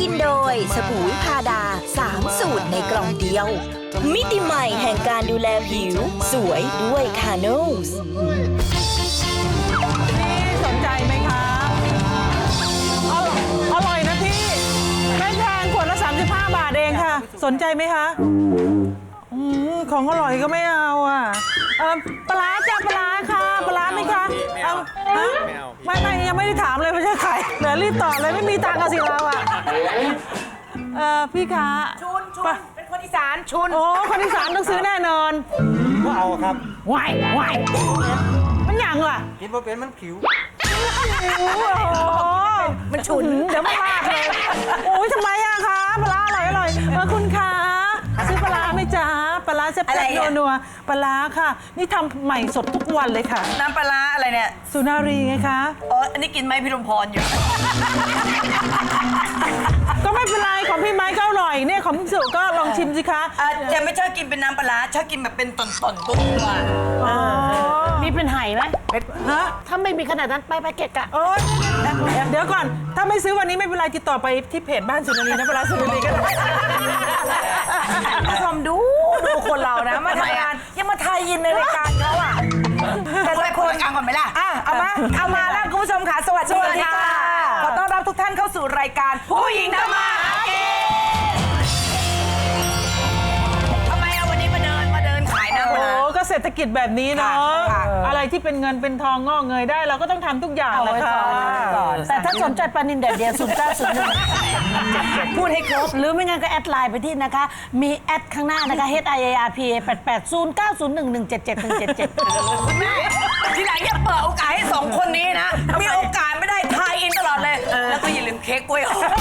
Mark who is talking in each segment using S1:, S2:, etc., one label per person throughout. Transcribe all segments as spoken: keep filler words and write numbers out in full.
S1: กินโดยสบู่วิพาดาสามสูตรในกล่องเดียวมิติใหม่แห่งการดูแลผิวสวยด้วยคาโนส
S2: พี่สนใจไหมคะออร่อยนะพี่ไม่แพงขวดละสามสิบห้าบาทเองค่ะสนใจไหมคะอืมของอร่อยก็ไม่เอาอ่ะเออปลาจ้าปลาค่ะปลาไหมคะเอาฮะไม่ไม่ยังไม่ได้ถามเลยไม่ใช่ใครเดี๋ยวรีบตอบเลยไม่มีตังค์กันสิเราอ่ะเออพี่คะชุนชุนเป็นคนอีสานชุนโอ้คนอีสานต้องซื้อแน่นอน
S3: ก็เอาครับ
S2: วายวายมันหยังล่ะ
S3: กินว่าเป็นมันผิว
S2: มันฉุนเดี๋ยวไม่มากเลยโอ้ยทำไมอะคะปลาอร่อยอร่อยเออคุณคะซื้อปลาไหมจ๊ะปลาแซ่บๆนัวๆปลาค่ะนี่ทำใหม่สดทุกวันเลยค่ะ
S4: น้ำปลาอะไรเนี่ย
S2: สุนารีไงคะ
S4: อ๋ออันนี้กินไหมพี่ลมพรอยู่
S2: ก็ไม่เป็นไรของพี่ไม้ก็อร่อยเนี่ยของพี่สุก็ลองชิมสิคะ
S4: จะไม่ชอบกินเป็นน้ำปลาชอบกินแบบเป็นต่อนๆตัว
S5: มีเป็นไห่ไหม
S2: ฮะ
S5: ถ้าไม่มีขนาดนั้นไปไปเกะกะ
S2: โอ้ยเดี๋ยวก่อนถ้าไม่ซื้อวันนี้ไม่เป็นไรติดต่อไปที่เพจบ้านสุนารีนะปลาสุนารีก็ได้
S4: ผู้ชมดูดูคนเรานะมาทำงานยังมาทายยินในรายการเขาอ่ะแต่ละคนอ่านก่อนไหมล่ะอ่ะเอามาเอามาแล้วคุณผู้ชมค่ะสวัสดีค่ะขอต้อนรับทุกท่านเข้าสู่รายการผู้หญิงทำมาหากินทำไมเอาวันนี้มาเดินมาเดินขายน้ำ
S2: โอ้ก็เศรษฐกิจแบบนี้เนาะอะไรที่เป็นเงินเป็นทองงอกเงยได้เราก็ต้องทำทุกอย่างเลยค่ะ
S5: แต่ถ้าสนใจปลานินแดดเดียวศูนย์เก้าศูนย์หนึ่งพูดให้ครบหรือไม่งั้นก็แอดไลน์ไปที่นะคะมีแอดข้างหน้านะคะ H I A R P A แปด แปด ศูนย์ เก้า ศูนย์ หนึ่ง หนึ่ง เจ็ด เจ็ด หนึ่ง เจ็ด เจ็ด
S4: คุณแม่ทีหลังอย่าเปิดโอกาสให้สองคนนี้นะมีโอกาสไม่ได้ทายอินตลอดเลยแล้วก็อย่าลืมเค้กกล้วยหอม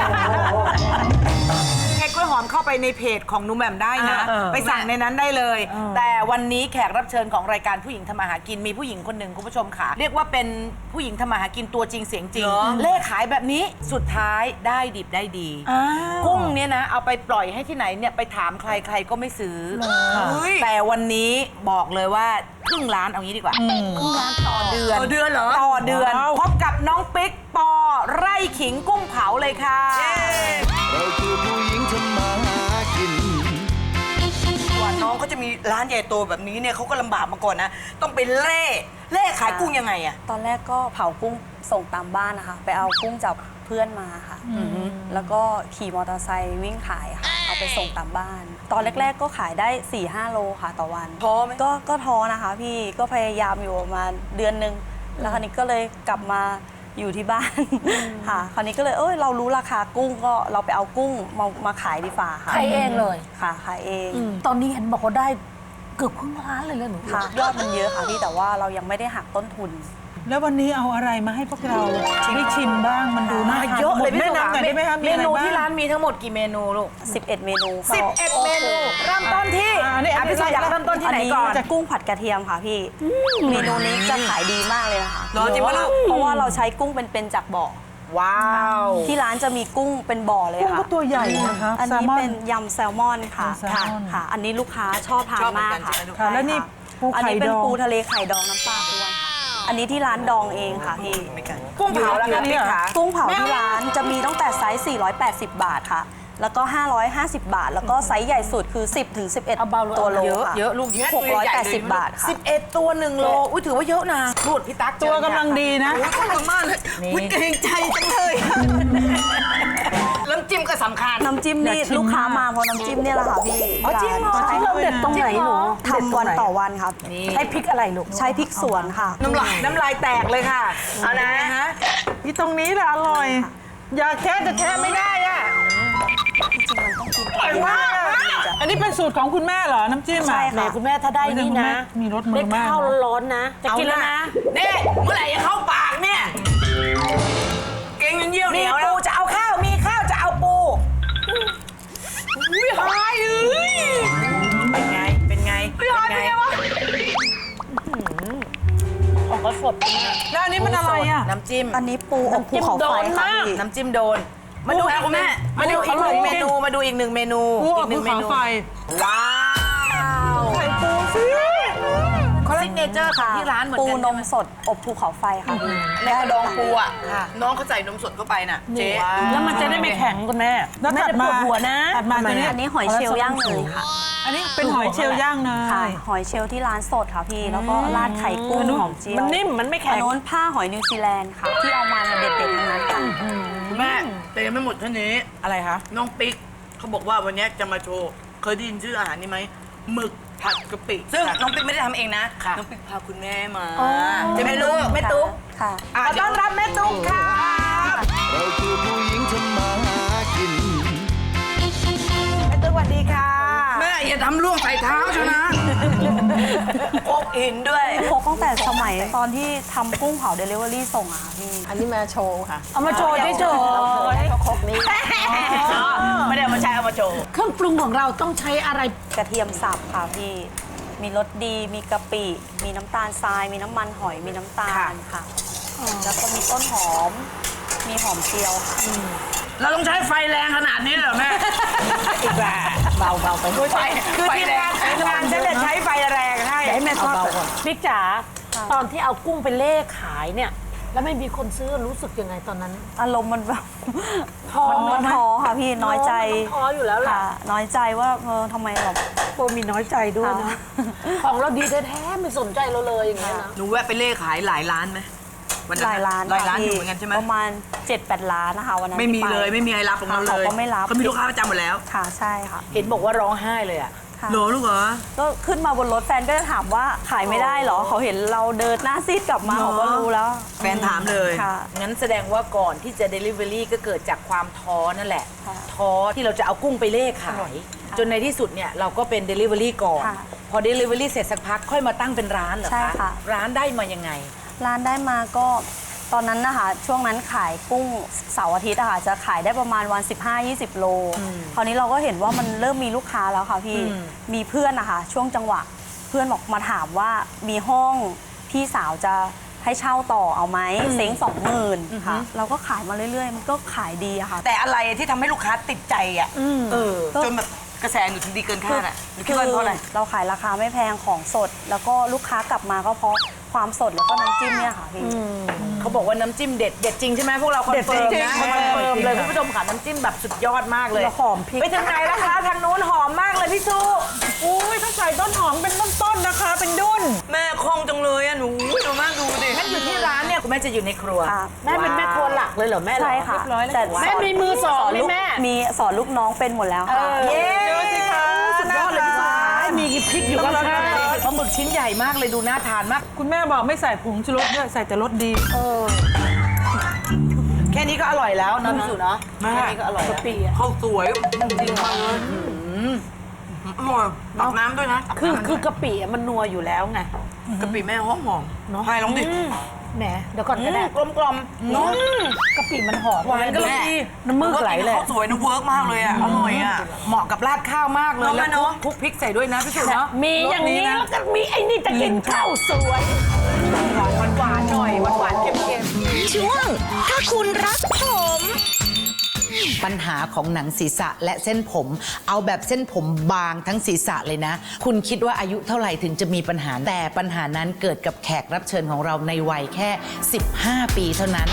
S4: เค้กกล้วยหอมเข้าไปในเพจของนุ่มแหม่มได้นะไปสั่งในนั้นได้เลยแต่วันนี้แขกรับเชิญของรายการผู้หญิงทำมาหากินมีผู้หญิงคนหนึ่งคุณผู้ชมค่ะเรียกว่าเป็นผู้หญิงทำมาหากินตัวจริงเสียงจริงเล่ขายแบบนี้สุดท้ายได้ดิบได้ดีกุ้งเนี่ยนะเอาไปปล่อยให้ที่ไหนเนี่ยไปถามใครใครก็ไม่ซื้อแต่วันนี้บอกเลยว่าครึ่งล้านเอางี้ดีกว่าครึ่งล้านต่อเดือนต่อเดือนเหรอต่อเดือนพบกับน้องปิ๊กปอไร่ขิงกุ้งเผาเลยค่ะ
S6: เราคือผู้หญิงทำมาหากิน
S4: กว่าน้องเขาจะมีร้านใหญ่โตแบบนี้เนี่ยเขาก็ลำบากมาก่อนนะต้องไปเล่เล่ขายกุ้งยังไงอะ
S7: ตอนแรกก็เผากุ้งส่งตามบ้านนะคะไปเอากุ้งจากเพื่อนมาค่ะแล้วก็ขี่มอเตอร์ไซค์วิ่งขายค่ะเอาไปส่งตามบ้านตอนแรกๆก็ขายได้ สี่ห้า โลค่ะต่อวัน
S4: ท้อไหม
S7: ก็ก็ท้อนะคะพี่ก็พยายามอยู่ประมาณเดือนนึงแล้วคราวนี้ก็เลยกลับมาอยู่ที่บ้านค่ะคราวนี้ก็เลยเอ้ยเรารู้ราคากุ้งก็เราไปเอากุ้งมามาขายดีฝ่าค่ะ
S5: ขายเองเลย
S7: ค่ะขายเอง
S5: ตอนนี้เห็นบอกว่าได้เกือบครึ่งล้านเลยเลยหนู
S7: ค่ะยอดมันเยอะค่ะพี่แต่ว่าเรายังไม่ได้หักต้นทุน
S2: แล้ววันนี้เอาอะไรมาให้พวกเราได้ชิมบ้างมันดูน่าทาน
S4: เยอะเลย
S2: แนะนำหน่อยได้ไหมคะ
S4: เมนูที่ร้านมีทั้งหมดกี่เมนูลูก
S7: สิบเอ็ดเมนู
S4: สิบเอ็ดเมนูเริ่มต้นที่
S2: อ่ะพี่ชายอยากเริ่มต้นที่ไหนก่อน
S7: จะกุ้งผัดกระเทียมค่ะพี่เมนูนี้จะขายดีมากเลยนะคะ
S4: รอจริงปะลูก
S7: เพราะว่าเราใช้กุ้งเป็นๆจากบ่อ
S4: ว้าว
S7: ที่ร้านจะมีกุ้งเป็นบ่อเลยค่ะ
S2: กุ้งก็ตัวใหญ่นะคะ
S7: อันนี้เป็นยำแซลมอนค่ะค่ะอันนี้ลูกค้าชอบทานมากค่ะ
S2: แล้วนี่ปูไข่ดอง
S7: อันนี้เป็นปูทะเลไข่ดองน้ำปลาด้วยอันนี้ที่ร้านดองเองค่ะพี่
S4: กุ้งเผาแล้วค่ะพี่ขา
S7: กุ้งเผาที่ร้านจะมีตั้งแต่ไซส์สี่ร้อยแปดสิบบาทค่ะแล้วก็ห้าร้อยห้าสิบบาทแล้วก็ไซส์ใหญ่สุดคือสิบถึงสิบเอ็ดตัวโล
S4: เยอะ
S7: ค่ะ
S4: เยอะลูกเยอะ
S7: หกร้อยแปดสิบบาทค่ะ
S4: สิบเอ็ดตัวหนึ่งโลอุ้ยถือว่าเยอะนะพูดพี่ตั๊ก
S2: ตัวกำลังดีนะ
S4: ขอบคุณมากเลยอุ้ยเกรงใจจังเลยน้ำจิ้มก็สำคัญ
S7: น้ำจิ้มนี่ลูกค้ามาเพราะน้ำจิ้มเนี่ยแหละค่ะพี่
S4: อ๋อจริงเหรอ
S5: เราเด็ดตรงไหนหนู
S7: ทำวันต่อวันครับ
S5: ใช้พริกอะไรลูก
S7: ใช้พริกสวนค่ะ
S4: น้ำลายน้ำลายแตกเลยค่ะเอานะฮะ
S2: ที่ตรงนี้แหละอร่อยอยากแค่จะแค่ไม่ได้อ่ะ
S7: จริงๆมันต้องกิน
S2: อร่อยมากอันนี้เป็นสูตรของคุณแม่เหรอน้ำจิ้มอ่ะ
S7: ใช่
S5: ค่ะคุณแม่ถ้าได้นี่นะ
S2: มีรสมือมาก
S5: ได้ข้าวร้อนๆนะจะกินแล้วนะ
S4: นี่เมื่อไหร่จะเข้าปากเนี่ยเก่งเยี่ยวเหนียวแล้วจะเอาข้าวมีข้าวจะเอาปูอุ้ยหายเอ้ยเป็นไงเป็นไงเป็นไงวะ
S5: ออกก็สด
S2: แล้วอันนี้มันอะไรอ่ะ
S4: น้ำจิ้ม
S7: อันนี้ปูอบภูเขาไฟค่ะ
S4: น้ำจิ้มโดนมาดูคุณแม่มาดูอีกหนึ่งเมนูมาดูอีกหนึ่งเมนู
S2: อีกหนึ่งเมนูว้าว
S4: ไข่ปูสิคอลลาเจนเจอร์ของที่ร้านเหมือน
S7: ปู
S4: กัน
S7: นมสดอบภูเขาไฟค่ะพี่
S4: ในกระดองปูอ่ะน้องเขาใส่นมสดเข้าไปน่ะเจ๊
S5: แล้วมันจะได้ไม่แข็งคุณแม่
S2: แล้ว
S5: ไม่
S2: ถัด
S5: ได้ป
S2: มาว
S5: ดหัวนะ
S2: ถัดมาตัวเนี้ย
S7: อันนี้หอยเชลล์ย่างเนยค่ะ
S2: อันนี้เป็นหอยเชลล์ย่างเน
S7: ค่ะ
S2: ย
S7: หอยเชลล์ที่ร้านสดค่ะพี่ แล้วก็ราดไข่กุ้งหอมเจียว
S5: มันนิ่มมันไม่แข็
S7: อัน
S5: ง
S7: โน้นผ้าหอยนิวซีแลนด์ค่ะ ที่เอามาเนี่ยเด็ดๆทั้งนั้นค่ะ
S8: แม่แต่ยังไม่หมดเท่านี้
S4: อะไรคะ
S8: น้องปิ๊กเขาบอกว่าวันนี้จะมาโชว์ เคยได้ยินชื่ออาหารนี้ไหมหมึกผัดกะปิ
S4: ซึ่งน้องปิ๊กไม่ได้ทำเองนะ
S8: ค่ะ
S4: น้องปิ๊กพาคุณแม่มาจะไม่รู้แม่ตุ๊ก
S7: ค่ะ
S4: ขอต้อนรับแม่ตุ๊กค่ะ
S6: เราคือผู้หญิงทำมาหากิน
S4: แม่ตุ๊กสวัสดีค่ะ
S8: แม่อย่าทำล่วงใส่เท้าใช่นะ
S4: โอกอินด้วย
S7: พกตั้งแต่สมัยตอนที่ทำกุ้งเผาเดลิเวอรี่ส่งอะค่ะพี่
S5: อันนี้มาโชว์ค่ะ เอามาโชว์เฉย
S7: ครกนี้
S4: ไม่ได้เอามาใช้เอามาโชว์
S5: ๆเครื่องปรุงของเราต้องใช้อะไร
S7: กระเทียมสับค่ะพี่ มีรสดี มีกะปิ มีน้ำตาลทราย มีน้ำมันหอย มีน้ำตาลค่ะ แล้วก็มีต้นหอม มีหอมเจียวค่ะ
S8: เราต้องใช้ไฟแรงขนาดนี้เหรอแม่
S4: อีกแล้วเบาเบาไปไฟคือทีมงานทีมงานฉันจะใช้ไฟแรงให้
S5: ให้แม่ทอดบิ๊กจ๋าตอนที่เอากุ้งไปเล่ขายเนี่ย แล้วไม่มีคนซื้อรู้สึกยังไงตอนนั้น
S7: อารมณ์มันแบบ
S5: ท้อ
S7: มัน
S5: ไหม
S7: ท้อค่ะพี่ น้อยใจ
S5: มันท้ออยู่แล้วแหละ
S7: ค่ะ น้อยใจว่าเออทำไมแบบ
S5: โปมีน้อยใจด้วยนะ ของเราดีแท้ๆไม่สนใจเราเลยอย่างเงี้ยนะ
S8: หนูแวะไปเล่ขายหลายร้านไหมวันนั้น
S7: หลายร้าน
S8: หลายร้าน
S7: ค่ะ
S8: อยู่
S7: พี่
S8: เหมือนกันใช่ไหม
S7: ประมาณ เจ็ดแปด ร้านนะคะวันนั้น
S8: ไม่มี
S7: ที่ป
S8: เลยไม่มีใครรับของเราเลย
S7: เขาก็ไม่รับ
S8: เขามีลูกค้าประจำหมดแล้ว
S7: ค่ะใช่ค่ะ
S4: เห็นบอกว่าร้องไห้เลยอ่ะ
S7: ค่ะ
S8: เหรอลูกเหรอ
S7: ก็ขึ้นมาบนรถแฟนก็จะถามว่าขายไม่ได้เหรอ เขาเห็นเราเดินหน้าซีดกลับมา
S8: เหรอ
S7: เขาก็รู้แล้ว
S8: แฟนถามเลย
S7: ค่ะ
S4: งั้นแสดงว่าก่อนที่จะ Delivery ก็เกิดจากความท้อนั่นแหละ
S7: ค่ะ
S4: ท้อที่เราจะเอากุ้งไปเล่ขาย จนในที่สุดเนี่ยเราก็เป็น Delivery ก่อน
S7: ค่ะ
S4: พอ Delivery เสร็จสักพักค่อยมาตั้งเป็นร้านเหรอ
S7: ใช่
S4: คะ
S7: ค่ะ
S4: ร้านได้มายังไง
S7: ร้านได้มาก็ตอนนั้นนะคะช่วงนั้นขายกุ้งเสาร์อาทิตย์อะค่ะจะขายได้ประมาณวัน สิบห้ายี่สิบ โล คราวนี้เราก็เห็นว่ามันเริ่มมีลูกค้าแล้วค่ะพี่มีเพื่อนนะคะช่วงจังหวะเพื่อนบอกมาถามว่ามีห้องพี่สาวจะให้เช่าต่อเอาไหมเซ้งสองหมื่นค่ะเราก็ขายมาเรื่อยๆ มันก็ขายดีอะค่ะ
S4: แต่อะไรที่ทำให้ลูกค้าติดใจอ่ะเออ
S7: ก็
S4: จนแบบกระแสหนูถึงดีเกินคาดอ่ะหนูคิดว่าเพราะอะไร
S7: เราขายราคาไม่แพงของสด แล้วก็ลูกค้ากลับมาก็เพราะความสดแล้วก็น้ำจิ้มเนี่ยค่ะพี่
S4: เขาบอกว่าน้ำจิ้มเด็ดเด็ดจริงใช่ไหมพวกเราคอนเฟิร์มนะคอนเฟิร์มเลยคุณผู้ชมค่ะน้ำจิ้มแบบสุดยอดมากเลย
S5: แล้วหอมพริก
S4: ไปถึงไหนแล้วคะทางนู้นหอมมากเลยพี่ซู
S2: อุ้ยต้องใส่ต้นหอมเป็นต้นๆนะคะ เป็นดุ้น
S8: แม่คล่องจังเลยอะหนูดูมากดูดิ
S4: งั้นอยู่ที่ร้านเนี่ยคุณแม่จะอยู่ในครัว
S7: ค่ะ
S5: แม่เป็นแม่ครัวหลักเลยเหรอแม่เหรอ
S7: ใช่ค่ะ
S5: เรียบร้อยแล้ว
S7: แต่
S5: แม่มีมือสองไหม
S7: ลูก
S5: แม่
S7: มีสอนลูกน้องเป็นหมดแล้วค่ะ
S4: เย้
S2: ดูสิคะ
S4: สุดยอดเลยพี่ซู
S5: มีพริกอยู่
S4: ต้
S5: ก็
S4: อง
S5: ใช่
S4: ปลาหมึกชิ้นใหญ่มากเลยดูน่าทานมาก
S2: คุณแม่บอกไม่ใส่ผงชูรสด้วยใส่แต่รสดี
S4: แค่นี้ก็อร่อยแล้วนะพี่ซูเนาะแค่นี้ก็อร่อยแล้ว
S8: ข้าวสวยจริงมากเลยอร่อยตักน้ำด้วยนะ
S5: คือคือกะปิอะมันนัวอยู่แล้วไง
S8: กะปิแม่หอมหอมเนาะให้ลองดิ
S5: แหมเดี๋ยวก่อนก็ได้
S4: กลมกลมๆเนาะ
S5: กะปิมันหอม
S4: หวานก็เลยดี
S5: น้ำมือไหลเลย
S8: ข้าวสวยนะเวิร์กมากเลยอะอร่อยอะ
S4: เหมาะกับราดข้าวมากเลย
S8: เนอะ
S4: แล้ว
S8: แม่เนอะ
S4: คลุกพริกใส่ด้วยนะพี่ซูเนาะ
S5: มีอย่างนี้แล้วก็มีไอ้นี่จะกินข้าวสวย
S4: หวานหวานๆหน่อยหวานหวานๆเค็มๆ
S1: ช่วง ถ้าคุณรักผม
S9: ปัญหาของหนังศีรษะและเส้นผม เอาแบบเส้นผมบางทั้งศีรษะเลยนะ คุณคิดว่าอายุเท่าไหร่ถึงจะมีปัญหา แต่ปัญหานั้นเกิดกับแขกรับเชิญของเราในวัยแค่ สิบห้า ปีเท่านั้น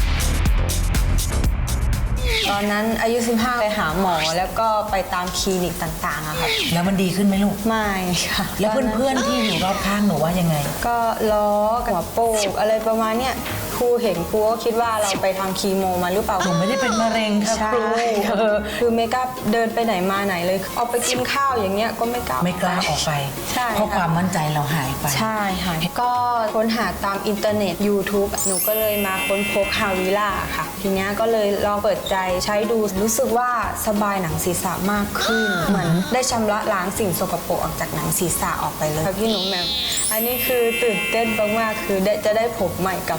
S10: ตอนนั้นอายุ สิบห้า ไปหาหมอแล้วก็ไปตามคลินิกต่างๆอะค่ะ
S9: แล้วมันดีขึ้นไหมลูก
S10: ไม่ค่ะ
S9: แล้วเพื่อนๆที่อยู่รอบข้างหนูว่ายังไง
S10: ก็ล้อกับหัวโปกอะไรประมาณเนี้ยครูเห็นครูก็คิดว่าเราไปทำคีโมมาหรือเปล่า
S9: หนูไม่ได้เป็นมะเร็งครับ
S10: ใช่
S9: ครู
S10: เออคือไม่กล้าเดินไปไหนมาไหนเลยเอาไปกินข้าวอย่างเงี้ยก็ไม่กล้า
S9: ไม่กล้าออกไป
S10: ใช่
S9: เพราะ
S10: ค่ะ
S9: ความมั่นใจเราหายไป
S10: ใช่ค่ะก็ค้นหาตามอินเทอร์เน็ต YouTube หนูก็เลยมาค้นพบฮาวิล่าค่ะ ทีเนี้ยก็เลยลองเปิดใจใช้ดูรู้สึกว่าสบายหนังศีรษะมากขึ้น เหมือนได้ชำระล้างสิ่งสกปรกออกจากหนังศีรษะออกไปเลยค่ะพี่หนูแหม่มอันนี้คือตื่นเต้นมากๆคือได้จะได้ผมใหม่กลับมาแล้ว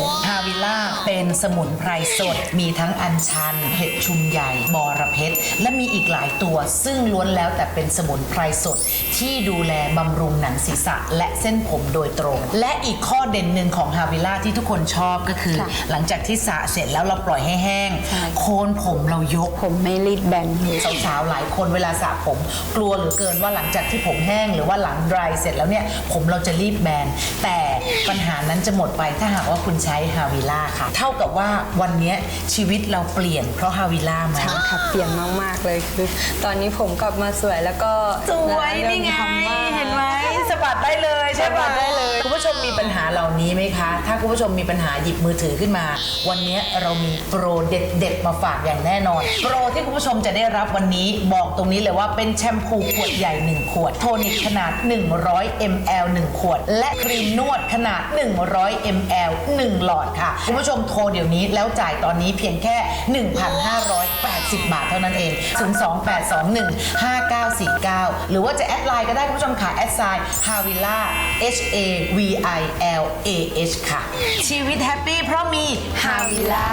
S9: ฮาวิล่าเป็นสมุนไพรสดมีทั้งอัญชันเห็ดชุมใหญ่บอระเพ็ดและมีอีกหลายตัวซึ่งล้วนแล้วแต่เป็นสมุนไพรสดที่ดูแลบำรุงหนังศีรษะและเส้นผมโดยตรง และอีกข้อเด่นหนึ่งของฮาวิล่าที่ทุกคนชอบก็คือ หลังจากที่สระเสร็จแล้วเราปล่อยให้แห้งโคนผมเรายก
S10: ผมไม่รีดแบนเลย
S9: สาวๆหลายคนเวลาสระผมกลัวเหลือเกินว่าหลังจากที่ผมแห้งหรือว่าหลังดรายเสร็จแล้วเนี่ยผมเราจะรีบแบนแต่ปัญหานั้นจะหมดไปถ้าหากว่าคุณใช้ฮาวิล่าค่ะเท่ากับว่าวันนี้ชีวิตเราเปลี่ยนเพราะฮาวิล่าไหม
S10: ใช่ค่ะเปลี่ยนมาก ๆ เลยคือตอนนี้ผมกลับมาสวยแล้วก็
S9: สวยนี่ไง
S10: เริ่มทำบ้าง
S9: เห็นไหมสะบัดได้เลยใช่ปะได้เลยคุณผู้ชมมีปัญหาเหล่านี้ไหมคะ ถ้าคุณผู้ชมมีปัญหาหยิบมือถือขึ้นมา วันนี้เรามีโปรเด็ดๆมาฝากอย่างแน่นอนโปรที่คุณผู้ชมจะได้รับวันนี้บอกตรงนี้เลยว่าเป็นแชมพูขวดใหญ่หนึ่งขวดโทนิกขนาดหนึ่งร้อยมิลลิลิตรหนึ่งขวดและครีมนวดขนาดหนึ่งร้อยมิลลิลิตรหนึ่งหลอดค่ะคุณผู้ชมโทรเดี๋ยวนี้แล้วจ่ายตอนนี้เพียงแค่ หนึ่งพันห้าร้อยแปดสิบ บาทเท่านั้นเองศูนย์ สอง แปด สอง หนึ่ง ห้า เก้า สี่ เก้าหรือว่าจะแอดไลน์ก็ได้คุณผู้ชมค่ะแอดไซน์ Havila H A V I L A H ค่ะชีวิตแฮปปี้เพราะมี Havila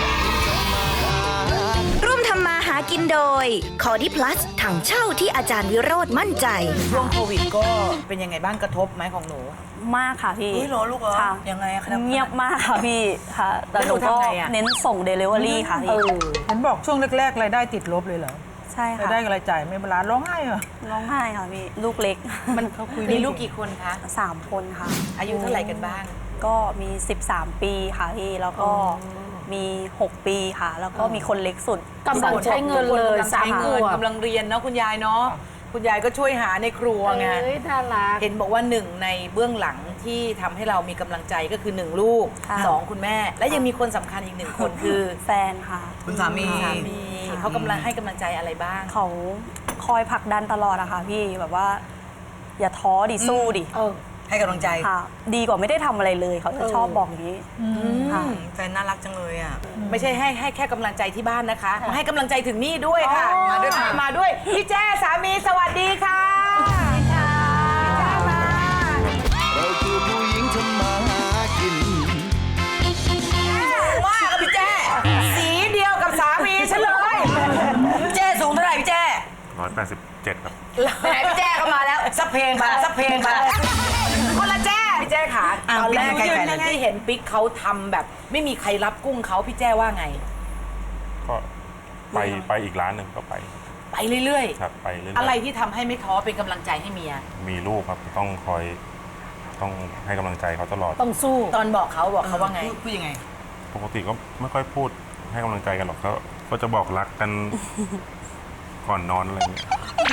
S1: ร่วมทำมาหากินโดย คอดี้พลัสถังเช่าที่อาจารย์วิโรธมั่นใจ
S4: ช่วงโควิดก็เป็นยังไงบ้างกระทบไหมของหนู
S7: มากค่ะพี่
S4: เฮ้ยเหรอลูกเหรอ
S7: ค่ะ
S4: ยังไงอะคะ
S7: เงียบมากค่ะพี่ค่ะแต่หนู
S4: แล้วหนู
S7: ก็
S4: ทำไงอะ
S7: เน้นส่งเดลิเวอรี่ค่ะพี่
S2: เห็นบอกช่วงแรกๆรายได้ติดลบเลยเหรอ
S7: ใช่
S2: ราย
S7: ค่ะ
S2: ได้กับรายจ่ายไม่บาลานซ์ร้องไห้เหรอ
S7: ร้องไห้ค่ะพี่ลูกเล็ก
S4: มันเขาคุยมีลูกกี่คนคะ
S7: สามคนค่ะ
S4: อายุเท่าไหร่กันบ้าง
S7: ก็มี สิบสาม ปีค่ะพี่แล้วก็มี หก ปีค่ะ แล้วก็มีคนเล็กสุด
S5: กำลังใช้เงินเลย
S4: กำลัง
S5: สา
S4: ใช้
S5: มข
S4: เงิน
S5: วบ
S4: กำลังเรียนเนาะคุณยายเนาะคุณยายก็ช่วยหาในครัวไง
S5: เอ้ยน่ารัก
S4: เห็นบอกว่าหนึ่งในเบื้องหลังที่ทำให้เรามีกำลังใจก็คือหนึ่งลูก
S7: ค่ะ
S4: สองคุณแม่ และยังมีคนสำคัญอีกหนึ่งคนคือ
S7: แฟนค่ะ
S8: คุณสามี
S4: สามีเขากำลังให้กำลังใจอะไรบ้าง
S7: เขาคอยผลักดันตลอดอะค่ะพี่แบบว่า อย่าท้อดิสู้ดิ
S8: ให้กำลังใจ
S7: ค่ะ ดีกว่าไม่ได้ทำอะไรเลยเขาจะชอบบอกอย่างนี้ค่ะ
S8: แฟนน่ารักจังเลยอ่ะ
S4: ไม่ใช่ให้ให้แค่กำลังใจที่บ้านนะคะมาให้กำลังใจถึงนี่ด้วยค่ะ มาด้วยค่ะมาด้วยพี่แจ้สามีสวัสดีค่ะ
S6: เราคือผู้หญิงทำมาหากิน
S4: ว่ากับพี่แจ้สีเดียวกับสามีฉันเลยพี่แจ้สูงเท่าไหร่พี่แจ้
S11: ร้อยแปดสิบเจ็ดครับ
S4: แหมพี่แจ้ก็มาแล้วสักเพลงมาสักเพลงมาคนละแจ้พี่แจ้ขา
S8: อ่ะ
S4: ตอนแรก
S8: พี่แจ้
S4: ที่เห็นปิ๊กเขาทำแบบ ไม่มีใครรับกุ้งเขาพี่แจ้ว่าไง
S11: ก็ไปไปอีกร้านหนึ่งก็ไป
S4: ไปเรื่อย
S11: ครับไปเรื่อย
S4: ๆ
S11: ๆ
S4: อะไรที่ทำให้ไม่ท้อเป็นกำลังใจให้เมีย
S11: มีลูกครับต้องคอยต้องให้กำลังใจเขาตลอด
S5: ต้องสู้
S4: ตอนบอกเขาบอกเขาว่าไง
S8: พูดยังไง
S11: ปกติก็ไม่ค่อยพูดให้กำลังใจกันหรอกเขาก็จะบอกรักกัน ก่อนนอนอะไรอย่างเงี้ย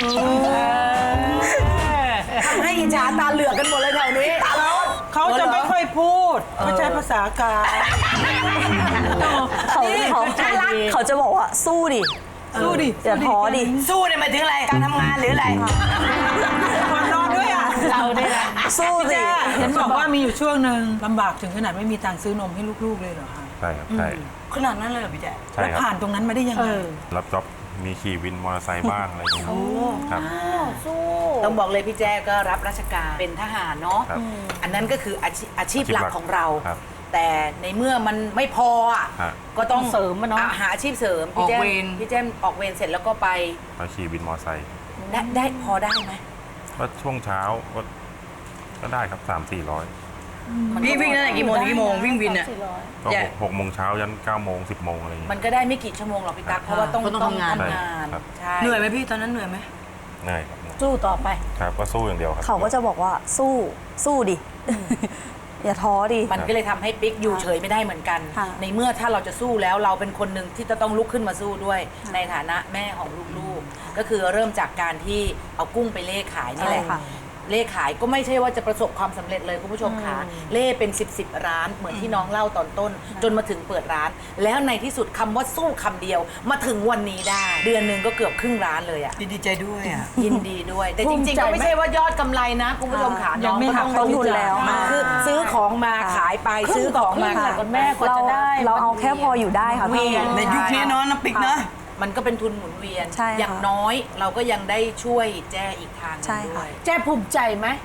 S4: ทำให้อิจฉาตาเหลือกกันหมดเลยแถวนี้ตาร้อน
S2: เขาจะไม่ค่อยพูดไม่ใช่ภาษากาย
S7: เขาเขาเขาจะบอกว่าสู้ดิ
S2: สู้ดิ
S7: อย่าท้อดิ
S4: สู้เนี่ยหมายถึงอะไรการทำงานหรืออะไร
S2: ก่อนนอนด้วยอ่ะ
S5: เราเนี่ยนะ
S7: สู้ดิ
S2: เห็นบอกว่ามีอยู่ช่วงหนึ่งลำบากถึงขนาดไม่มีตังค์ซื้อนมให้ลูกๆเลยเหรอคะ
S11: ใช่ครับใช่
S4: ขนาดนั้นเลยเหรอพี่แจ๊
S11: ใช่
S2: แล้ว
S11: ครับ
S2: ผ่านตรงนั้นมาได้ยังไง
S11: รับจ็อบมีขี่วินมอเตอร์ไซค์บ้างอะไรอย่างเงี้ยครับ
S4: ต้องบอกเลยพี่แจ้ก็รับราชการเป็นทหารเนาะ
S11: ครับ
S4: อันนั้นก็คืออาชีพอาชีพ
S11: อาชีพ
S4: หลัก
S11: หลัก
S4: ของเรา
S11: ครับ
S4: แต่ในเมื่อมันไม่พออ่ะ
S11: ฮะ
S4: ก็ต้อง
S5: เสริมอะเนาะ
S4: หาอาชีพเสริมพี่แจ้
S8: ออกเวร
S4: พี่แจ้ออกเวรเสร็จแล้วก็ไป
S11: ไปขี่วินมอเตอร์ไซค์
S4: ได้ได้พอได้ไหม
S11: ก็ช่วงเช้าก็ก็ได้ครับสามสี่ร้อย
S8: พี่วิ่งตั้งแต่กี่โมงถึงกี่โมงวิ่งวินอ่ะ
S11: ก็
S8: ใหญ่
S11: หกหกโมงเช้ายันเก้าโมงสิบโมงอะไรอย่างเงี้ย
S4: มันก็ได้ไม่กี่ชั่วโมงหรอกพี่ตั๊กเพราะว่าต้อง
S8: ก็ต้องทำงาน
S4: ทำงาน
S11: ครับ
S4: ใช่
S8: เหนื่อยไหมพี่ตอนนั้นเหนื่อยไหม
S11: เหนื่อยครับ
S5: สู้ต่อไป
S11: ครับก็สู้อย่างเดียวครับ
S7: เขาก็จะบอกว่าสู้สู้ดิ อย่าท้อดิ
S4: มันก็เลยทำให้ปิ๊กอยู่เฉยไม่ได้เหมือนกัน
S7: ค่ะ
S4: ในเมื่อถ้าเราจะสู้แล้วเราเป็นคนหนึ่งที่จะต้องลุกขึ้นมาสู้ด้วย ในฐานะแม่ของลูกๆ ก็คือเริ่มจากการที่เอากุ้งไปเล่ขายนี่แหละ
S7: ใช่ค่ะ
S4: เล่ขายก็ไม่ใช่ว่าจะประสบความสำเร็จเลยคุณผู้ชมค่ะเล่เป็นสิบสิบร้านเหมือนที่น้องเล่าตอนต้น จนมาถึงเปิดร้าน แล้วในที่สุดคำว่าสู้คำเดียวมาถึงวันนี้ได้ เดือนหนึ่งก็เกือบครึ่งร้านเลยอ่ะ
S8: ดีใจด้วยอ่ะ
S4: ยินดีด้วย แต่
S5: ภู
S4: จ
S5: มิ
S4: ริง
S5: ใจ
S4: ๆ
S5: ไหม
S4: ก็ไม่ใช่ว่ายอดกำไรนะคุณผู้ชมค่ะ
S2: ยังไม่หักต้นทุนแล้ว
S4: คือซื้อของมาขายไปซื้อของมา
S5: ค่ะ
S4: ขาย
S5: คุณแม่กว่า
S7: เรา
S5: จะได้
S7: เราเอาแค่พออยู่ได้ค่ะพี่
S8: ในยุคนี้เนาะน้ำปิกนะ
S4: มันก็เป็นทุนหมุนเวียน
S7: ใช่ค่ะ
S4: อย่างน้อยเราก็ยังได้ช่วยแจ้อีกทางหนึ
S7: ใช่
S4: งด้
S7: ค่ะ
S4: วย
S5: แจ้ภูมิใจไหม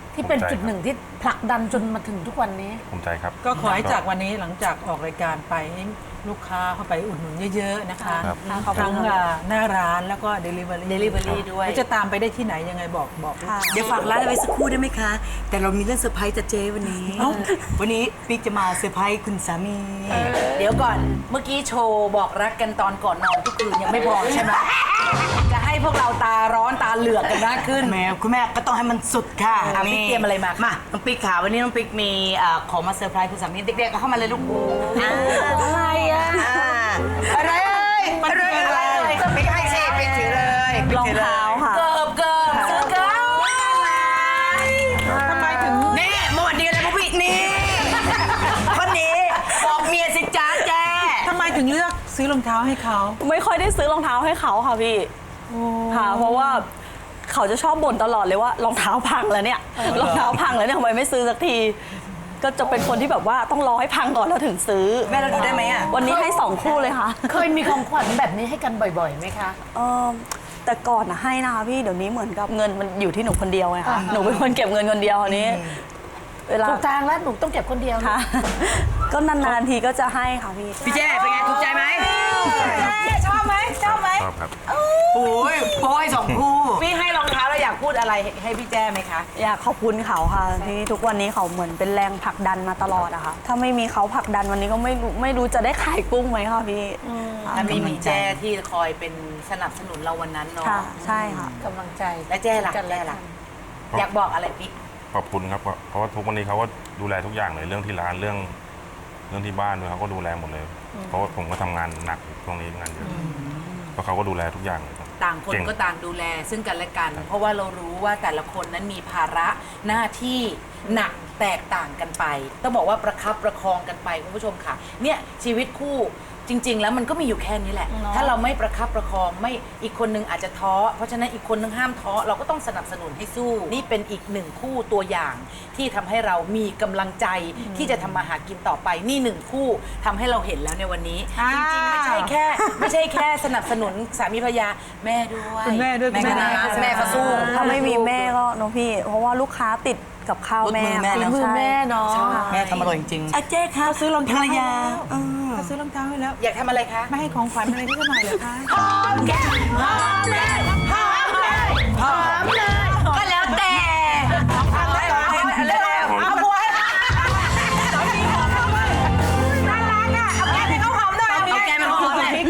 S5: ที่เป็นจุดหนึ่งที่ผลักดันจนมาถึงทุกวันนี้
S11: ภูมิใจครับ
S2: ก็ขอให้จากวันนี้หลังจากออกรายการไปให้ลูกค้าเข้าไปอุดหนุนเยอะๆนะคะ
S11: ครับ
S2: ทั้งอ่าหน้าร้านแล้วก็ Delivery
S4: Delivery ด้วย
S2: แล้วจะตามไปได้ที่ไหนยังไงบอกบอกลูกค้า
S8: เดี๋ยวฝากร้านไว้สักครู่ได้ไหมคะ แต่เรามีเรื่องเซอร์ไพรส์จะเจ๊วันนี้ วันนี้ปิ๊กจะมาเซอร์ไพรส์คุณสามี
S4: เดี๋ยวก่อนเมื่อกี้โชว์บอกรักกันตอนก่อนนอนทุกคืนยังไม่พอใช่ไหมจะให้พวกเราตาร้อนตาเหลือกกันมากขึ้น
S8: แหมคุณแม่ก็ต้องให้มันสุดค่ะ
S4: อ่ะปิ๊กเตรียมอะไรมา
S8: มาน้องปิ๊กค่ะวันนี้น้องปิ๊กมีเอ่อของมาเซอร์ไพรส์คุณสามีเด็กๆก็เข้ามาเลยลูก
S5: อะไรอ่ะ
S8: อะไรเอ่ยอะไรอะไรปิ๊กให้สิปิ๊กถือเลย
S7: รองเท้าค่ะ
S4: เกิบเกิบเกิบเกิบ
S2: ทำไมถึง
S8: นี่เมื่อวันดีอะไรพวกพี่นี่คนนี้บอกเมียสิจ้าแจ้
S2: ทำไมถึงเลือกซื้อรองเท้าให้เขา
S7: ไม่ค่อยได้ซื้อรองเท้าให้เขาค่ะพี่ค่ะเพราะว่าเขาจะชอบบ่นตลอดเลยว่ารองเท้าพังแล้วเนี่ยรองเท้าพังแล้วเนี่ยทำไมไม่ซื้อสักที ก็จะเป็นคนที่แบบว่าต้องรอให้พังก่อนแล้วถึงซื้อ
S8: แม่เราดูได้ไหมอ่ะ
S7: วันนี้ให้สองคู่เลยค่ะ
S5: เคยมีของขวัญแบบนี้ให้กันบ่อยๆไหมคะ
S7: เออแต่ก่อนนะให้นะคะพี่เดี๋ยวนี้เหมือนกับเงินมันอยู่ที่หนูคนเดียวไงคะหนูเป็นคนเก็บเงินคนเดียวอันนี้ เวลา
S5: ถูกทางแล้วหนูต้องเก็บคนเดียว
S7: ค่ะ ก็นานๆทีก็จะให้ค่ะพี่
S8: พี่เจ้เป็นไงถูกใจไหม
S4: ชอบไหมชอบไหม
S11: ชอบครับ
S8: โอ้ยโอ้ยสองคู่
S4: พี่ให้รองเท้าแล้วอยากพูดอะไรให้พี่แจ้ไหมคะ
S7: อยากขอบคุณเขาค่ะที่ทุกวันนี้เขาเหมือนเป็นแรงผลักดันมาตลอดอะค่ะถ้าไม่มีเขาผลักดันวันนี้ก็ไม่รู้ไม่รู้จะได้ขายกุ้งไหมค่ะพี่ค่ะ
S4: ถ้ามีมีแจ้ที่คอยเป็นสนับสนุนเราวันนั้นเนาะ
S7: ค่ะใช่ค่ะ
S5: กำลังใจ
S4: และแจ้ล่ะแจ้ล่ะอยากบอกอะไรปิ๊ก
S11: ขอบคุณครับเพราะว่าทุกวันนี้เขาก็ดูแลทุกอย่างเลยเรื่องที่ร้านเรื่อง เรื่องที่บ้านด้วยเขาก็ดูแลหมดเลย เพราะว่าผมก็ทำงานหนักช่วงนี้งานเยอะเพราะเขาก็ดูแลทุกอย่างเลยครับ
S4: ต่างคน
S11: เก่ง
S4: ก็ต่างดูแลซึ่งกันและกัน เพราะว่าเรารู้ว่าแต่ละคนนั้นมีภาระหน้าที่หนักแตกต่างกันไป ต้องบอกว่าประคับประคองกันไปคุณผู้ชมค่ะ เนี่ยชีวิตคู่จริง ๆ แล้วมันก็มีอยู่แค่นี้แหละ ถ้าเราไม่ประคับประคองไม่อีกคนนึงอาจจะท้อเพราะฉะนั้นอีกคนนึงห้ามท้อเราก็ต้องสนับสนุนให้สู้ นี่เป็นอีกหนึ่งคู่ตัวอย่าง ที่ทำให้เรามีกำลังใจที่จะทำมาหากินต่อไปนี่หนึ่งคู่ทำให้เราเห็นแล้วในวันนี้ จริงๆไม่ใช่แค่ ไม่ใช่แค่สนับสนุนสามีภรรยาแม่ด้วย
S2: คุณแม่ด้วย
S4: แม่ก็
S2: คุณแม่
S4: นะแม่ก็สู้
S7: ถ้าไม่มีแม่ก็น้องพี่ เพราะว่าลูกค้าติดกับข้าวแม่
S8: รถมือแม่
S7: ค่ะ
S8: เนอะ
S7: ใช่
S5: มือแม่เนาะ
S8: แม่ทำอร่อยจริงๆ
S2: อาเจ๊คะซื้อรองเท้า
S8: ภรรยา
S2: เขาซื้อรองเท้าให้แล้ว
S4: อยากทำอะไรคะ
S2: ไม่ให้ของขวัญอะไรที่หน่อยเหรอคะ
S4: หอมแก้มหอมเลยหอมเลยหอมเลยก็แล้วแต่เอาเลยเอาบัวให้สามีหอมด้วยน่ารักอ่ะเอาแก้มให้เขาหอมด้วยเอาแก้มให้เขาหอมเลย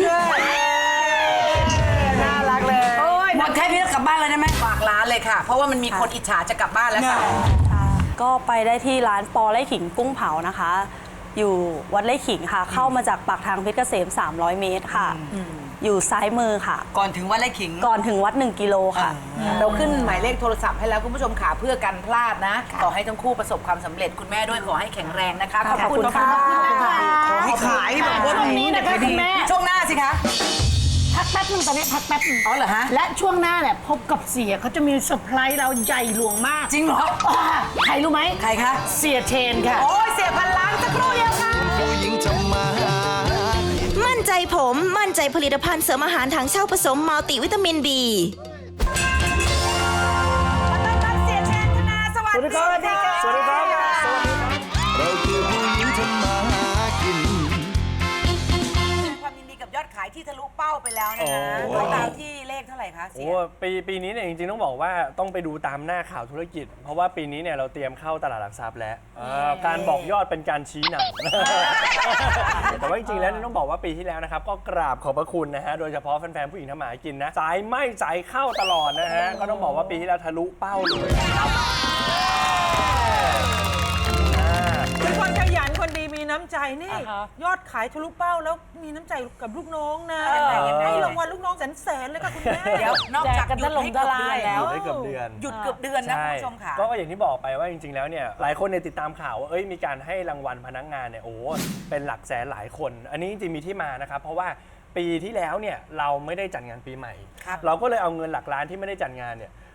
S4: น่ารักเลยโอ้ยหมดแค่นี้แล้วกลับบ้านเลยได้ไหมฝากร้านเลยค่ะ เพราะว่ามันมีคนอิจฉาจะกลับบ้านแล้วค่ะ
S7: ค่ะก็ไปได้ที่ร้านปอไร่ขิงกุ้งเผานะคะ อยู่วัดไร่ขิงค่ะ เข้ามาจากปากทางเพชรเกษม สามร้อย เมตรค่ะ อยู่ซ้ายมือค่ะ
S8: ก่อนถึงวัดไร่ขิง
S7: ก่อนถึงวัด หนึ่ง กิโลค่ะ
S4: เราขึ้นหมายเลขโทรศัพท์ให้แล้วคุณผู้ชมขาเพื่อกันพลาดนะ ขอให้ทั้งคู่ประสบความสำเร็จคุณแม่ด้วยขอให้แข็งแรงนะคะ ขอบคุณค่ะ
S8: ขอให้ขายแบบว่า
S5: ช่วงนี้นะคะคุณแม่
S4: ช่วงหน้าสิคะ
S5: พักแป๊บนึงตอนนี้พักแป๊บนึง
S4: อ๋อเหรอฮะ
S5: และช่วงหน้าเนี่ยพบกับเสียเขาจะมีเซอร์ไพรส์เราใหญ่หลวงมาก
S4: จริงเหรอ
S5: อ่าใครรู้ไหม
S4: ใครคะ
S5: เสียเทนค่ะ
S4: โอ้ยเสียพันล้านสักครู่เดียวค่ะ
S6: ผู้หญิงทำมาหากิน
S1: มั่นใจผม มั่นใจผลิตภัณฑ์เสริมอาหารถังเช่าผสมมัลติวิตามิน B
S4: สวัสดีครับ
S3: สวัสดีครับ
S6: เราคือผู้หญิงทำมาหากิน
S4: ความยินดีกับยอดขายที่ทะลุเป้าไปแล้วนะฮะ
S3: โอ้
S4: เขาดาวที่เลขเท่าไหร่คะเสี
S3: โอ้
S4: ย
S3: ปีปีนี้เนี่ยจริงๆต้องบอกว่าต้องไปดูตามหน้าข่าวธุรกิจ เพราะว่าปีนี้เนี่ยเราเตรียมเข้าตลาดหลักทรัพย์แล้วอ่าการบอกยอดเป็นการชี้นำ แต่ว่าจริงๆแล้วเนี่ยต้องบอกว่าปีที่แล้วนะครับก็กราบขอบพระคุณนะฮะโดยเฉพาะแฟนๆผู้หญิงทำหมากินนะสายไหม่สายเข้าตลอดนะฮะก็ต้องบอกว่าปีที่แล้วทะลุเป้าเลยนะครับอ่า
S2: เป็นคนขยันคนดีมีน้ำใจนี่ ยอดขายทะลุเป้าแล้วมีน้ำใจกับลูกน้องนะให้รางวัลลูกน้องแสนแสนๆเลยค่ะคุณแม่
S4: เดี๋ยวนอกจากหยุดให้เกือบเดือนแล้ว
S3: อยู่ได้เกือบเดือน
S4: หยุดเกือบเดือนนะคุณผู้ชมค่ะ
S3: ก็อย่างที่บอกไปว่าจริงๆแล้วเนี่ยหลายคนเนี่ยติดตามข่าวว่าเอ้ยมีการให้รางวัลพนักงานเนี่ยโอ้เป็นหลักแสนหลายคน อันนี้จริงๆมีที่มานะครับเพราะว่าปีที่แล้วเนี่ยเราไม่ได้จัดงานปีใหม่
S4: ครับ
S3: เราก็เลยเอาเงินหลักล้านที่ไม่ได้จัดงานเนี่ย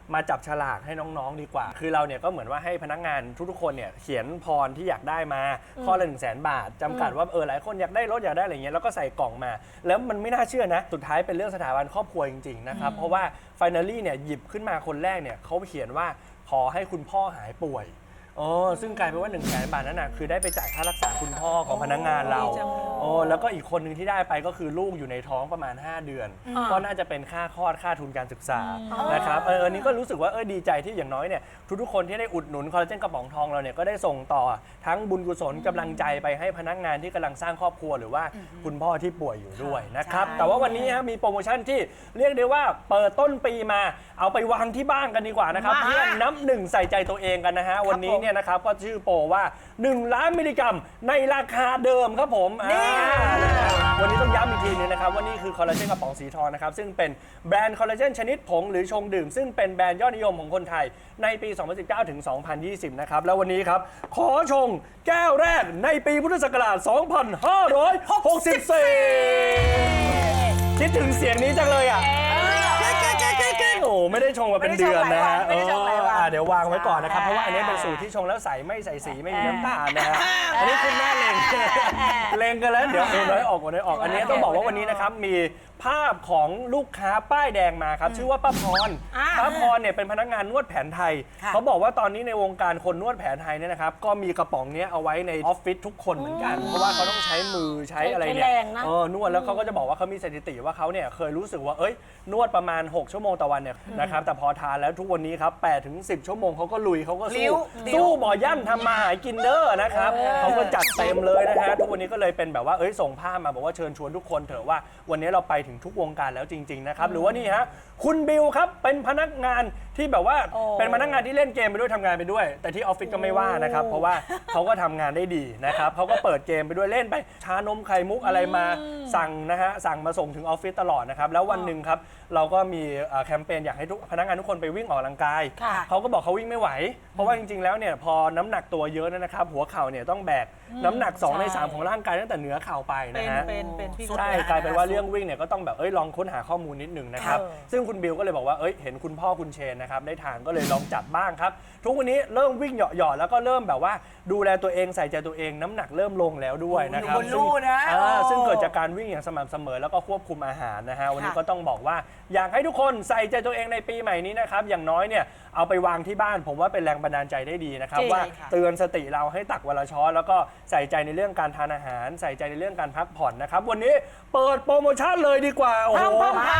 S3: มาจับฉลากให้น้องๆดีกว่า คือเราเนี่ยก็เหมือนว่าให้พนักงานทุกๆคนเนี่ยเขียนพรที่อยากได้มาข้อละหนึ่งแสนบาทจำกัดว่าเออหลายคนอยากได้รถอยากได้อะไรเงี้ยแล้วก็ใส่กล่องมา แล้วมันไม่น่าเชื่อนะสุดท้ายเป็นเรื่องสถาบันครอบครัวจริงๆนะครับเพราะว่าไฟนอลลี่เนี่ยหยิบขึ้นมาคนแรกเนี่ยเขาเขียนว่าขอให้คุณพ่อหายป่วยอ๋อซึ่งกลายเป็นว่าหนึ่งแสนบาทนั้นนะคือได้ไปจ่ายค่ารักษาคุณพ่อของพนักงานเราอ๋อแล้วก็อีกคนหนึ่งที่ได้ไปก็คือลูกอยู่ในท้องประมาณห้าเดือนก็น่าจะเป็นค่าคลอดค่าทุนการศึกษานะครับเอออันนี้ก็รู้สึกว่าเออดีใจที่อย่างน้อยเนี่ยทุกๆคนที่ได้อุดหนุนคอลลาเจนกระป๋องทองเราเนี่ยก็ได้ส่งต่อทั้งบุญกุศลกำลังใจไปให้พนักงานที่กำลังสร้างครอบครัวหรือว่าคุณพ่อที่ป่วยอยู่ด้วยนะครับแต่ว่าวันนี้ฮะมีโปรโมชั่นที่เรียกได้ว่าเปิดต้นปีมาเอาไปวางที่บ้านกันดีกว่านะครับเพื่อนับหนึ่งใส่ใจตัวเองกันนะฮะวันนี้เนี่ยนะครับก็ชื่อโปรว่าหนึ่งล้านมิลลิกรัมในราคาเดิมครับผมวันนี้ต้องย้ำอีกทีนึงนะครับว่านี่คือคอลลาเจนกระป๋องสีทองนะครับซึ่งเป็นแบรนด์คอลลาเจนชนิดผงหรือชงดื่มซึ่งเป็นแบรนด์ยอดนิยมของคนไทยในปี สองพันสิบเก้า ถึง สองพันยี่สิบ นะครับแล้ววันนี้ครับขอชงแก้วแรกในปีพุทธศักราช สองพันห้าร้อยหกสิบสี่ คิดถึงเสียงนี้จังเลยอ่ะโอ้ไม่ได้ชงมาเป็นเดือนนะฮะเออเดี๋ยววางไว้ก่อนนะครับเพราะว่าอันนี้เป็นสูตรที่ชงแล้วใสไม่ใส่สีไม่มีน้ำตาลนะฮะอันนี้คุณแม่เลงเลงกันแล้วเดี๋ยวโอนน้อยออกโอนน้อยออกอันนี้ต้องบอกว่าวันนี้นะครับมีภาพของลูกค้าป้ายแดงมาครับชื่อว่าป้าพรป้าพรเนี่ยเป็นพนักงานนวดแผนไทยเขาบอกว่าตอนนี้ในวงการคนนวดแผนไทยเนี่ยนะครับก็มีกระป๋องนี้เอาไว้ในออฟฟิศทุกคนเหมือนกันเพราะว่าเขาต้องใช้มือใช้อะไรเนี่ยเออนวดแล้วเขาก็จะบอกว่าเขามีสถิติว่าเขาเนี่ยเคยรู้สึกว่าเอ้ยนวดประมาณหกชั่วโมงต่อวันเนี่ยนะครับแต่พอทานแล้วทุกวันนี้ครับแปดถึงสิบชั่วโมงเขาก็ลุยเขาก็สู้สู้บ่อย่ำทำมาหากินเด้อนะครับเขาก็จัดเต็มเลยนะฮะทุกวันนี้ก็เลยเป็นแบบว่าเอ้ยส่งภาพมาบอกว่าเชิญชวนทุกคนเถอะว่าวันนี้เราไปถึงทุกวงการแล้วจริงๆนะครับหรือว่านี่ฮะคุณบิวครับเป็นพนักงานที่แบบว่าเป็นพนักงานที่เล่นเกมไปด้วยทำงานไปด้วยแต่ที่ออฟฟิศก็ไม่ว่านะครับเพราะว่าเขาก็ทำงานได้ดีนะครับเขาก็เปิดเกมไปด้วยเล่นไปชานมไข่มุกอะไรมาสั่งนะฮะสั่งมาส่งถึงออฟฟิศตลอดนะครับแล้ววันหนึ่งครับเราก็มีแคมเปญอยากให้ทุกพนักงานทุกคนไปวิ่งออกกำลังกายเขาก็บอกเขาวิ่งไม่ไหวเพราะว่าจริงๆแล้วเนี่ยพอน้ำหนักตัวเยอะนะครับหัวเข่าเนี่ยต้องแบกน้ำหนักสองในสามของร่างกายตั้งแต่เหนือเข่าไปนะฮะใช่กลายเป็นว่าเรื่องวิ่งเนี่ยก็ต้องแบบเอ้ยลองค้นหาข้อมูลนิดนึงนะครับซึ่งคุณบิวก็เลยบอกว่าเอ้ยเห็นคุณพ่อคุณเชนนะครับได้ทานก็เลยลองจัดบ้างครับทุกวันนี้เริ่มวิ่งเหยาะๆแล้วก็เริ่มแบบว่าดูแลตัวเองใส่ใจตัวเองน้ำหนักเริ่มลงแล้วด้วยนะครับซึ่งซึ่งเกิดจากการวิ่งอย่างสม่ำเสมอแล้วก็ควบคุมอาหารนะฮะวันนี้ก็ต้องบอกว่าอยากให้ทุกคนใส่ใจตัวเองในปีใหม่นี้นะครับอย่างน้อยเนี่ยเอาไปวางที่บ้านผมว่าเป็นแรงบันดาลใจได้ดีนะครับว่าเตือนสติเราให้ตักวันละช้อนแล้วก็ใส่ใจในเรื่องการทานอาหารใส่ใจในเรื่องการพักผ่อนนะครับวันนี้เปิดโปรโมชั่นเลยดีกว่าโอ้โห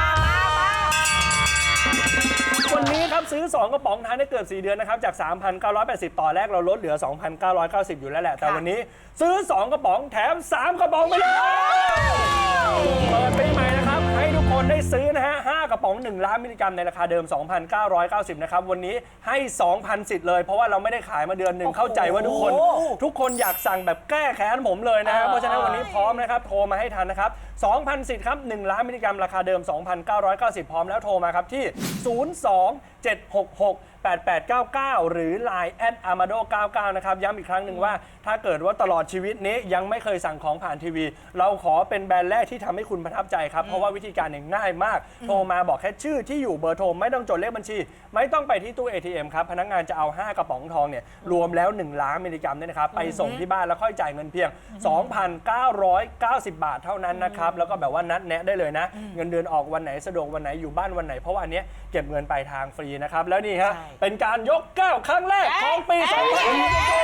S3: วันนี้ครับซื้อสองกระป๋องทานได้เกือบสี่เดือนนะครับจาก สามพันเก้าร้อยแปดสิบ ต่อแรกเราลดเหลือ สองพันเก้าร้อยเก้าสิบ อยู่แล้วแหละแต่วันนี้ซื้อสองกระป๋องแถมสามกระป๋องไปเลยเปิดปีใหม่นะครับให้ทุกคนได้ซื้อนะฮะห้ากระป๋องหนึ่งล้านมิลลิกรัมในราคาเดิม สองพันเก้าร้อยเก้าสิบ นะครับวันนี้ให้ สองพัน สิทธิ์เลยเพราะว่าเราไม่ได้ขายมาเดือนหนึ่งเข้าใจว่าทุกคนทุกคนอยากสั่งแบบแก้แค้นผมเลยนะฮะเพราะฉะนั้นวันนี้พร้อมนะครับโทรมาให้ทันนะครับ สองพัน สิทธิ์ครับหนึ่งล้านมิลลิกรัมราคาเดิม สองพันเก้าร้อยเก้าสิบ พร้อมแล้วโทรมาครับที่ ศูนย์ สอง เจ็ด หก หก แปด แปด เก้า เก้า หรือ ไลน์ แอท อาร์มาโด เก้า เก้า นะครับย้ำอีกครั้งหนึ่งว่าถ้าเกิดว่าตลอดชีวิตนี้ยังไม่เคยสั่งของผ่านทีวีเราขอเป็นแบรนด์แรกที่ทำให้คุณประทับใจครับเพราะว่าวิธีการเนี่ยง่ายมากโทรมาบอกแค่ชื่อที่อยู่เบอร์โทรไม่ต้องจดเลขบัญชีไม่ต้องไปที่ตู้ เอ ที เอ็ม ครับพนักงานจะเอาห้ากระป๋องทองเนี่ยรวมแล้วหนึ่งล้านมิลลิกรัมเนี่ยนะครับไปส่งที่บ้านแล้วค่อยจ่ายเงินเพียง สองพันเก้าร้อยเก้าสิบ บาทเท่านั้นนะครับแล้วก็แบบว่านัดแนะได้เลยนะเงินเดือนออกวันไหนสะดวกวันไหนอยู่บ้านวันไหนเพราะว่าอันเนี้ยเก็บเงินปลายทางฟรีนะครับแล้วนี่ฮะเป็นการยกแก้วครั้งแรกของปีสองพันยี่สิบ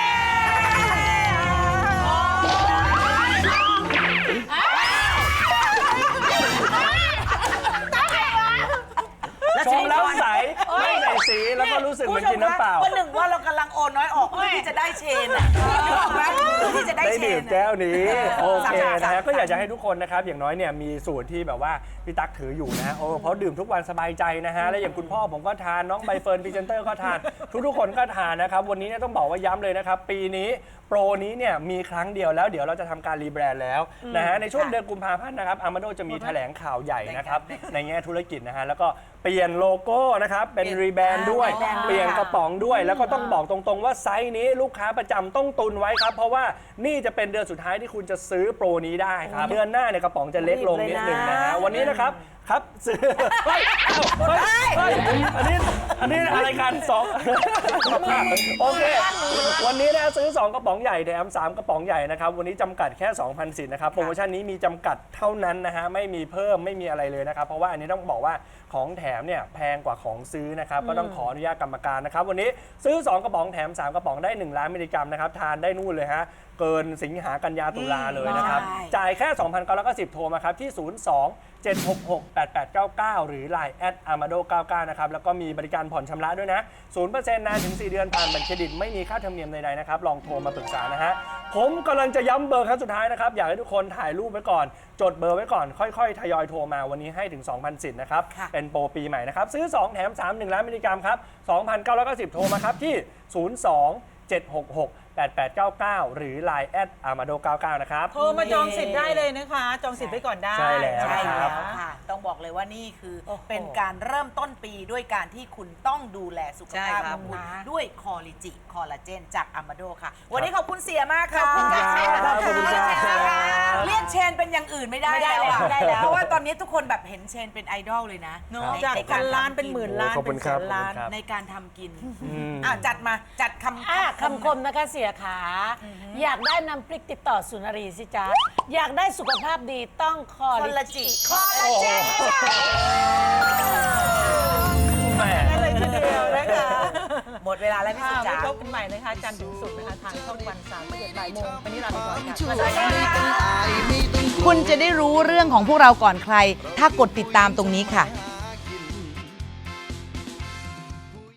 S3: ชมแล้วใสไม่ใส่สีแล้วก็รู้สึกเหมือนกินน้ำเปล่า
S4: วันหนึ่งว่าเรากำลังโอนน้อยออกเพื่อที่จะได้เชนอ่ะนึกออกไหมเพื่อที่จะได้เชนได้ดื่ม
S3: แก้วนี้โอเคนะฮะก็อยากจะให้ทุกคนนะครับอย่างน้อยเนี่ยมีสูตรที่แบบว่าพี่ตั๊กถืออยู่นะโอ้เพราะดื่มทุกวันสบายใจนะฮะและอย่างคุณพ่อผมก็ทานน้องใบเฟิร์นพรีเซนเตอร์ก็ทานทุกๆคนก็ทานนะครับวันนี้เนี่ยต้องบอกว่าย้ำเลยนะครับปีนี้โปรนี้เนี่ยมีครั้งเดียวแล้วเดี๋ยวเราจะทำการรีแบรนด์แล้วนะฮะในช่วงเดือนกุมภาพันธ์นะครับอาร์มาโดจะมีแถลงข่าวใหญ่นะครับในแง่ธุรกิจนะฮะแล้วก็เปลี่ยนโลโก้นะครับเป็นรีแบรนด์ด้วยเปลี่ยนกระป๋องด้วยแล้วก็ต้องบอกตรงๆว่าไซส์นี้ลูกค้าประจำต้องตุนไว้ครับเพราะว่านี่จะเป็นเดือนสุดท้ายที่คุณจะซื้อโปรนี้ได้ครับเดือนหน้าเนี่ยกระป๋องจะเล็กลงนิดนึงนะฮะวันนี้นะครับครับซื้อเฮ้ยเฮ้ยเฮ้ยอันนี้อันนี้อะไรกันสองโอเควันนี้นะซื้อสองกระป๋องใหญ่แถมสามกระป๋องใหญ่นะครับวันนี้จำกัดแค่ สองพัน สิทธิ์นะครับโปรโมชั่นนี้มีจำกัดเท่านั้นนะฮะไม่มีเพิ่มไม่มีอะไรเลยนะครับเพราะว่าอันนี้ต้องบอกว่าของแถมเนี่ยแพงกว่าของซื้อนะครับก็ต้องขออนุญาตกรรมการนะครับวันนี้ซื้อสองกระป๋องแถมสามกระป๋องได้หนึ่งล้านมิลลิกรัมนะครับทานได้นู่นเลยฮะเกินสิงหากันยาตุลาเลยนะครับจ่ายแค่ สองพันเก้าร้อยเก้าสิบ โทรมาครับที่ ศูนย์ สอง เจ็ด หก หก แปด แปด เก้า เก้า หรือ ไลน์ แอท อาร์มาโด เก้าเก้า นะครับแล้วก็มีบริการผ่อนชำระด้วยนะ ศูนย์เปอร์เซ็นต์ นานถึงสี่เดือนผ่านบัตรเครดิตไม่มีค่าธรรมเนียมใดๆนะครับลองโทรมาปรึกษานะฮะผมกำลังจะย้ำเบอร์ครั้งสุดท้ายนะครับอยากให้ทุกคนถ่ายรูปไว้ก่อนจดเบอร์ไว้ก่อนค่อยๆทยอยโทรมาวันนี้ให้ถึง สองพัน สิทธิ์นะครับเป็นโปรปีใหม่นะครับซื้อสองแถมสาม หนึ่งล้านมิลลิกรัมครับ สองพันเก้าร้อยเก้าสิบ โทรมาครับที่ ศูนย์ สอง เจ็ด หก หก แปด แปด เก้า เก้า หรือ ไลน์ แอท อาร์มาโด เก้าเก้า นะครับ
S2: โทรมาจองสิทธิ์ได้เลยนะคะ จองสิทธิ์ไว้ก่อนได้
S3: ใช่แล้ว
S4: ใช่
S3: ค
S4: แล้
S3: รับ
S4: วค่ะ ต้องบอกเลยว่านี่คือ
S2: โอ้โห
S4: เป็นการเริ่มต้นปีด้วยการที่คุณต้องดูแลสุขภาพของคุณด้วยคอลิจิคอลลาเจนจากอามาโดค่ะ วันนี้ขอบคุณเสียมากค่ะ
S3: ขอบคุณครับขอบคุณครับ
S4: เรียกเชนเป็นอย่างอื่นไม่ได้
S5: ไม่ได้
S4: แล้วอะ
S5: ไม่ได้แล้ว
S4: เพราะว่าตอนนี้ทุกคนแบบเห็นเชนเป็นไอดอลเลยนะใน
S2: จาก
S4: ใน
S2: พัน
S4: ร
S2: ล้าน
S4: ทำ
S2: เป็นหมื่นล้าน
S3: ขอบคุ
S2: เป็
S3: ณ
S2: น
S3: ค
S2: แส
S3: รับ
S2: นล้าน
S3: ขอบคุณครับ
S4: ในการทำกิน
S3: อืม
S4: อ่ะจัดมาจัดคำ
S5: อ่ะคำคมนะคะเสียขา อยากได้น้ำพริกติดต่อสุนารีสิจ๊ะ อยากได้สุขภาพดีต้องคอ
S4: คอล
S5: ลิ
S4: ลา
S5: จิ
S4: จิคอลลาเจน
S3: แหม
S2: นั่นเลยทีเดียวนะคะ
S4: หมดเวลาแล้วพี่
S2: ค่ะ
S4: สุ
S2: ไว้
S4: จ๋า
S2: พบกันใหม่นะคะจันทร์ถึงศุกร์นะคะทางช่องวันสามสิบเอ็ดบ่ายโมงวันนี้ลาไปก่อนค่ะ
S6: ช่วยไม่ต้องอายไม่ต้องกลัว
S4: คุณจะได้รู้เรื่องของพวกเราก่อนใคร ถ้ากดติดตามตรงนี้ค่ะ